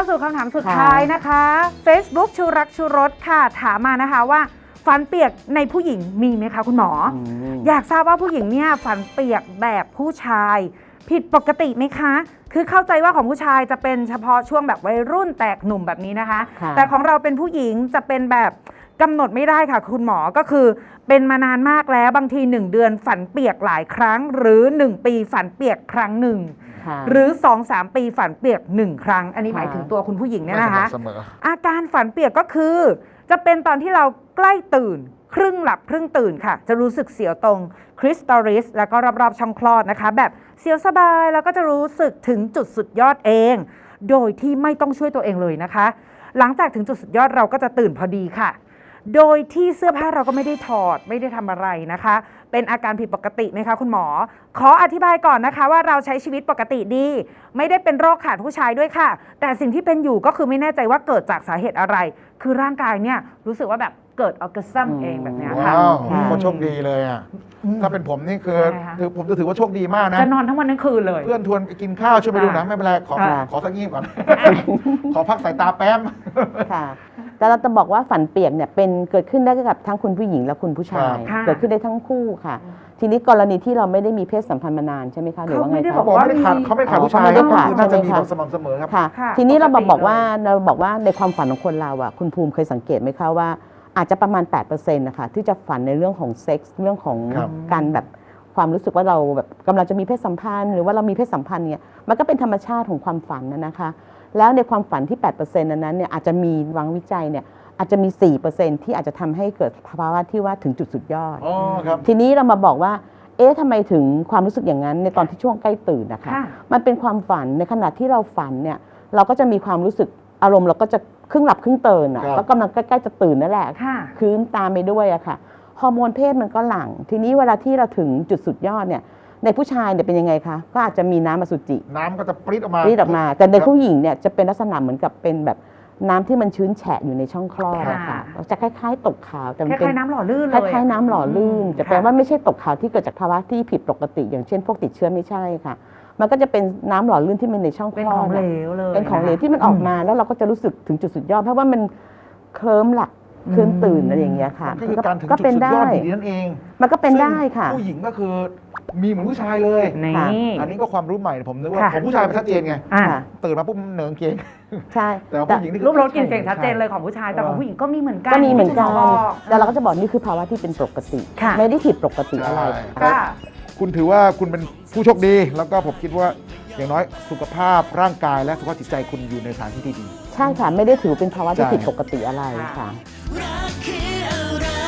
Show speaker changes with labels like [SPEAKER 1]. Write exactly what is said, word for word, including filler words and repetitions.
[SPEAKER 1] าสู่คำถามสุดท้ายนะคะ Facebook ชูรักชูรสค่ะถามมานะคะว่าฝันเปียกในผู้หญิงมีไหมคะคุณหมอ อ, อยากทราบว่าผู้หญิงเนี่ยฝันเปียกแบบผู้ชายผิดปกติไหมคะคือเข้าใจว่าของผู้ชายจะเป็นเฉพาะช่วงแบบวัยรุ่นแตกหนุ่มแบบนี้นะคะแต่ของเราเป็นผู้หญิงจะเป็นแบบกำหนดไม่ได้ค่ะคุณหมอก็คือเป็นมานานมากแล้วบางทีหนึ่งเดือนฝันเปียกหลายครั้งหรือหนึ่งปีฝันเปียกครั้งหนึ่งหรือ สองถึงสาม ปีฝันเปียกหนึ่งครั้งอันนี้หมายถึงตัวคุณผู้หญิงเนี่ยนะคะอาการฝันเปียกก็คือจะเป็นตอนที่เราใกล้ตื่นครึ่งหลับครึ่งตื่นค่ะจะรู้สึกเสียวตรงคริสตัลริสแล้วก็รอบๆช่องคลอดนะคะแบบเสียวสบายแล้วก็จะรู้สึกถึงจุดสุดยอดเองโดยที่ไม่ต้องช่วยตัวเองเลยนะคะหลังจากถึงจุดสุดยอดเราก็จะตื่นพอดีค่ะโดยที่เสื้อผ้าเราก็ไม่ได้ถอดไม่ได้ทำอะไรนะคะเป็นอาการผิดปกติไหมคะคุณหมอขออธิบายก่อนนะคะว่าเราใช้ชีวิตปกติดีไม่ได้เป็นโรคขาดผู้ชายด้วยค่ะแต่สิ่งที่เป็นอยู่ก็คือไม่แน่ใจว่าเกิดจากสาเหตุอะไรคือร่างกายเนี่ยรู้สึกว่าแบบเกิดออร์แกซัมเองแบบนี้ค่ะ
[SPEAKER 2] ว้าวคนโชคดีเลยอ่ะถ้าเป็นผมนี่คือถือผมจะถือว่าโชคดีมากนะ
[SPEAKER 1] จะนอนทั้งวันทั้งคืนเลย
[SPEAKER 2] เพื่อนชวนไปกินข้าวช่วยไปดูหนังไม่เป็นไรขอขอสักงีบก่อนขอพักสายตาแป๊บ
[SPEAKER 3] ค่ะแต่เราจะบอกว่าฝันเปียกเนี่ยเป็นเกิดขึ้นได้กับทั้งคุณผู้หญิงและคุณผู้ชายเกิดขึ้นได้ทั้งคู่ค่ะทีนี้กรณีที่เราไม่ได้มีเพศสัมพันธ์มานานใช่ไหมคะหรือว่าไงคะ
[SPEAKER 2] เขาบอกไม่ได้ขาดเขาไม่ขาดผู้ชายก็คือน่าจะมีแบบสม่ำเสมอครับ
[SPEAKER 3] ค่ะทีนี้เราบอกว่าเราบอกว่าในความฝันของคนเราอ่ะคุณภูมิเคยสังเกตไหมคะว่าอาจจะประมาณ แปดเปอร์เซ็นต์ นะคะที่จะฝันในเรื่องของเซ็กส์เรื่องของการแบบความรู้สึกว่าเราแบบกำลังจะมีเพศสัมพันธ์หรือว่าเรามีเพศสัมพันธ์เนี่ยมันก็เป็นธรรมชาติของความฝันนะคะแล้วในความฝันที่ แปดเปอร์เซ็นต์ นั้นเนี่ยอาจจะมีวางวิจัยเนี่ยอาจจะมี สี่เปอร์เซ็นต์ ที่อาจจะทำให้เกิดภาวะที่ว่าถึงจุดสุดยอดทีนี้เรามาบอกว่าเอ๊ะทำไมถึงความรู้สึกอย่างนั้นในตอนที่ช่วงใกล้ตื่นนะคะมันเป็นความฝันในขณะที่เราฝันเนี่ยเราก็จะมีความรู้สึกอารมณ์เราก็จะครึ่งหลับครึ่งตื่นอ่ะแล้วกำลังใกล้ๆจะตื่นนั่นแหละคืนตามไปด้วยอะค่ะฮอร์โมนเพศมันก็หลั่งทีนี้เวลาที่เราถึงจุดสุดยอดเนี่ยในผู้ชายเนี่ยเป็นยังไงคะก็อาจจะมีน้ำอสุจิ
[SPEAKER 2] น้ำก็จะปริ๊ดออกมา
[SPEAKER 3] ปริ๊ดออกมาแต่ในผู้หญิงเนี่ยจะเป็นลักษณะเหมือนกับเป็นแบบน้ำที่มันชื้นแฉะอยู่ในช่องคลอดอะค่ะจะคล้ายๆตกขาวแต่
[SPEAKER 1] เป็นคล้ายๆน้ำหล่อลื่น
[SPEAKER 3] เลยคล้ายๆน้ำหล่อลื่นจะแปลว่าไม่ใช่ตกขาวที่เกิดจากภาวะที่ผิดปกติอย่างเช่นพวกติดเชื้อไม่ใช่ค่ะมันก็จะเป็นน้ำหล่อลื่นที่มันในช่องคลอด
[SPEAKER 1] เป็นของเหลวเลย
[SPEAKER 3] เป็นของเหลวที่มันออกมาแล้วเราก็จะรู้สึกถึงจุดสุดยอดเพราะว่ามันเคลิ้มหลับเคลิ้มตื่นอะไรอย่างเงี้ยค่ะ
[SPEAKER 2] ก็คือการถึงจุดสุดยอดดีนั่นเอง
[SPEAKER 3] มันก็เป็นได้ค่ะ
[SPEAKER 2] ผู้หญิงก็คือมีเหมือนผู้ชายเลยอันนี้ก็ความรู้ใหม่ผมนึกว่าของผู้ชายมันชัดเจนไงตื่นมาปุ๊บเหนิงเกง
[SPEAKER 3] ใช่
[SPEAKER 2] แต่ผู้หญิง
[SPEAKER 1] รูปรสกลิ่นเสียงชัดเจนเลยของผู้ชายแต่ของผู้หญิงก็มีเหมือนกัน
[SPEAKER 3] ก็มีเหมือนกันแต่เราก็จะบอกนี่คือภาวะที่เป็นปกติไม่ได้ผิดปกติอะไร
[SPEAKER 2] คุณถือว่าคุณเป็นผู้โชคดีแล้วก็ผมคิดว่าอย่างน้อยสุขภาพร่างกายและสุขภาพจิตใจคุณอยู่ในสถานที่ที่ดี
[SPEAKER 3] ใช่ค่ะไม่ได้ถือเป็นภาวะที่ผิดปกติอะไรค่ะ